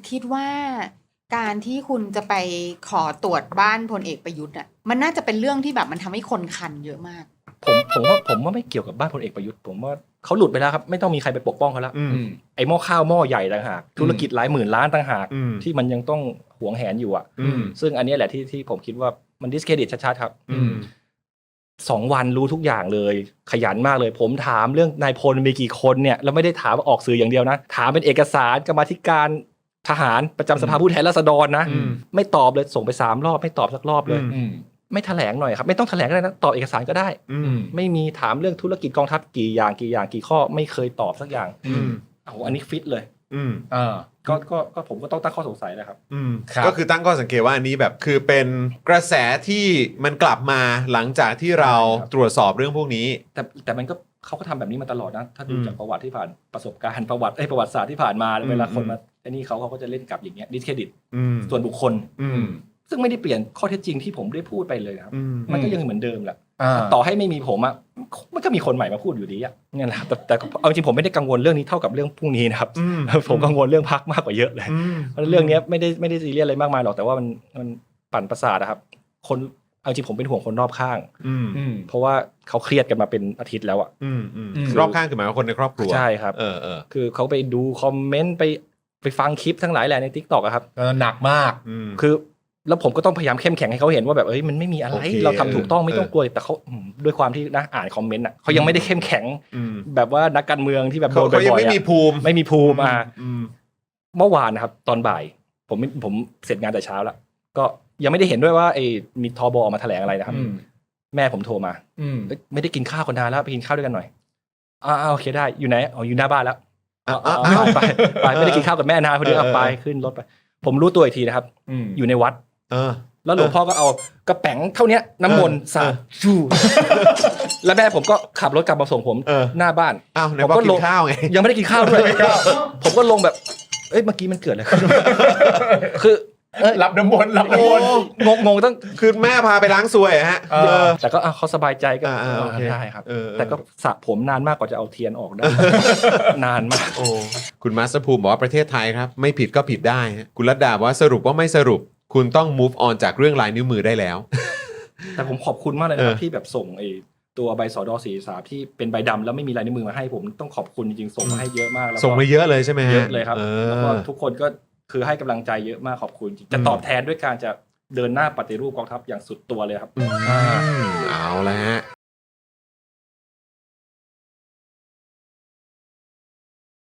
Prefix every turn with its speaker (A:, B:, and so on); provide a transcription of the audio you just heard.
A: คิดว่าการที่คุณจะไปขอตรวจบ้านพลเอกประยุทธ์อ่ะมันน่าจะเป็นเรื่องที่แบบมันทำให้คนคันเยอะมาก
B: ผมว่าไม่เกี่ยวกับบ้านพลเอกประยุทธ์ผมว่าเขาหลุดไปแล้วครับไม่ต้องมีใครไปปกป้องเขาแล้วไอ้หม้อข้าวหม้อใหญ่ต่างหากธุรกิจหลายหมื่นล้านต่างหากที่มันยังต้องหวงแหนอยู่อ่ะซึ่งอันนี้แหละที่ผมคิดว่ามันดิสเครดิตชัดๆครับ2 วันรู้ทุกอย่างเลยขยันมากเลยผมถามเรื่องนายพลมีกี่คนเนี่ยแล้วไม่ได้ถามออกสื่ออย่างเดียวนะถามเป็นเอกสารกรรมาธิการทหารประจำสภาผู้แทนราษฎรนะไม่ตอบเลยส่งไป3 รอบไม่ตอบสักรอบเลยไม่แถลงหน่อยครับไม่ต้องแถลงก็ได้นะตอบเอกสารก็ได้ไม่มีถามเรื่องธุรกิจกองทัพกี่อย่างกี่ข้อไม่เคยตอบสักอย่างอันนี้ฟิตเลยก็ผมก็ต้องตั้งข้อสงสัยนะครับ
C: ก็คือตั้งข้อสังเกตว่าอันนี้แบบคือเป็นกระแสที่มันกลับมาหลังจากที่เราตรวจสอบเรื่องพวกนี้
B: แต่มันก็เขาก็ทำแบบนี้มาตลอดนะถ้าดูจากประวัติที่ผ่านประสบการณ์ประวัติศาสตร์ที่ผ่านมาเวลาคนมาไอ้นี่เขาก็จะเล่นกับอย่างเงี้ยดิสเครดิตส่วนบุคคลซึ่งไม่ได้เปลี่ยนข้อเท็จจริงที่ผมได้พูดไปเลยครับมันก็ยังเหมือนเดิมแหละต่อให้ไม่มีผมอ่ะมันก็มีคนใหม่มาพูดอยู่ดีอ่ะเนี่ยแหละแต่เอาจริงผมไม่ได้กังวลเรื่องนี้เท่ากับเรื่องพรุ่งนี้นะครับผมกังวลเรื่องพรรคมากกว่าเยอะเลยเรื่องนี้ไม่ได้ซีเรียสอะไรมากมายหรอกแต่ว่ามันปั่นประสาทนะครับคนเอาจริงผมเป็นห่วงคนรอบข้างเพราะว่าเขาเครียดกันมาเป็นอาทิตย์แล้วอ่ะ
C: รอบข้างคือหมายว่าคนในครอบครัว
B: ใช่ครับคือเขาไปดูคอมเมนต์ไปฟังคลิปทั้งหลายแหละใน TikTok อะครับ
D: หนักมาก
B: คือแล้วผมก็ต้องพยายามเข้มแข็งให้เขาเห็นว่าแบบมันไม่มีอะไรเราทำถูกต้องไม่ต้องกลัวแต่เขาด้วยความที่นะอ่านคอมเมนต์อ่ะเขายังไม่ได้เข้มแข็งแบบว่านักการเมืองที่แบบโดนบ่อยๆ
C: เขาไม่มีภูมิ
B: เมื่อวานนะครับตอนบ่ายผมเสร็จงานแต่เช้าแล้วก็ยังไม่ได้เห็นด้วยว่ามีทบออกมาแถลงอะไรนะครับแม่ผมโทรมาไม่ได้กินข้าวกันนานแล้วไปกินข้าวด้วยกันหน่อยโอเคได้อยู่ไหนอยู่หน้าบ้านแล้วไปไม่ได้กินข้าวกับแม่นานพอดีไปขึ้นรถไปผมรู้ตัวอีกทีนะครับอยู่ในวัดแล้วหลวงพ่อก็เอากระแป๋งเท่านี้น้ำมนต์สาดชูแล้วแม่ผมก็ขับรถกลับมาส่งผมหน้าบ้าน
C: ผมก็กินข้าวไง
B: ยังไม่ได้กินข้าวด้วยผมก็ลงแบบเมื่อกี้มันเกิดอะไรขึ้นคือ
D: รับน้ำมนต์
B: งงต้อง
C: คือแม่พาไปล้างซวยฮะ
B: แต่ก็เขาสบายใจก็ได้ครับแต่ก็สระผมนานมากกว่าจะเอาเทียนออกได้นานมาก
C: คุณมาสเตอร์ภูมิบอกว่าประเทศไทยครับไม่ผิดก็ผิดได้คุณรัตดาบอกว่าสรุปว่าไม่สรุปคุณต้อง move on จากเรื่องลายนิ้วมือได้แล้ว
B: แต่ผมขอบคุณมากเลยนะครับที่แบบส่งตัวใบสด.43ที่เป็นใบดำแล้วไม่มีลายนิ้วมือมาให้ผมต้องขอบคุณจริงๆส่งมาให้เยอะมากแล้ว
C: ส่งมาเยอะเลยใช่ไหม
B: เยอะเลยครับแล้วก็ทุกคนก็คือให้กำลังใจเยอะมากขอบคุณจริงจะตอบแทนด้วยการจะเดินหน้าปฏิรูปกองทัพอย่างสุดตัวเลยครับ
C: เอาละฮะ